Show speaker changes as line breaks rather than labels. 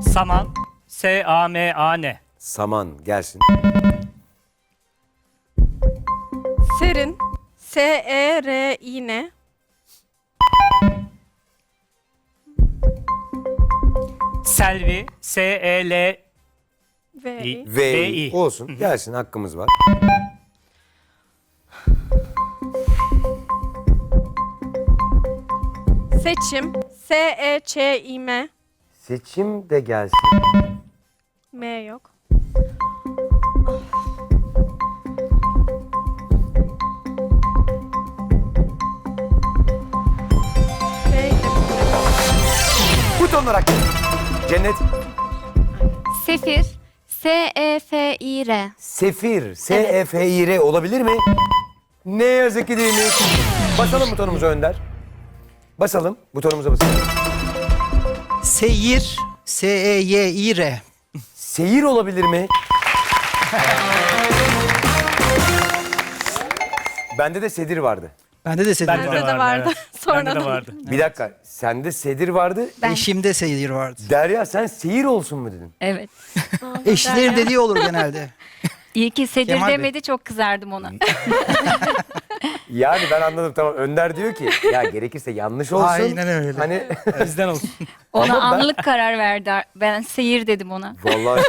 Saman. S-A-M-A-N.
Saman gelsin.
Serin. S-E-R-İ-N.
Selvi. S-E-L.
V-I.
V olsun. Gelsin, hakkımız var.
Seçim. S-E-Ç-İ-M.
Seçim de gelsin.
M yok. V.
Butonlar hakkı. Cennet.
Sefir. S-E-F-İ-R.
Sefir. S-E-F-İ-R olabilir mi? Ne yazık ki değilmiş. Basalım butonumuza Önder. Basalım. Butonumuza basalım.
Seyir. S-E-Y-İ-R.
Seyir olabilir mi? Bende de sedir vardı.
Bende de sedir
Bende
vardı.
de vardı.
Evet.
Sonradan.
Bende de vardı.
Bir dakika. Sende sedir vardı.
Eşimde seyir vardı.
Derya sen seyir olsun mu dedin?
Evet.
Eşlerin dediği olur genelde.
İyi ki Sedir
Kemal Bey.
demedi, çok kızardım ona.
Yani ben anladım, tamam. Önder diyor ki ya gerekirse yanlış olsun.
Aynen öyle.
Hani
Bizden olsun.
Ona
Ama ben-
anlık karar verdi. Ben seyir dedim ona.
vallahi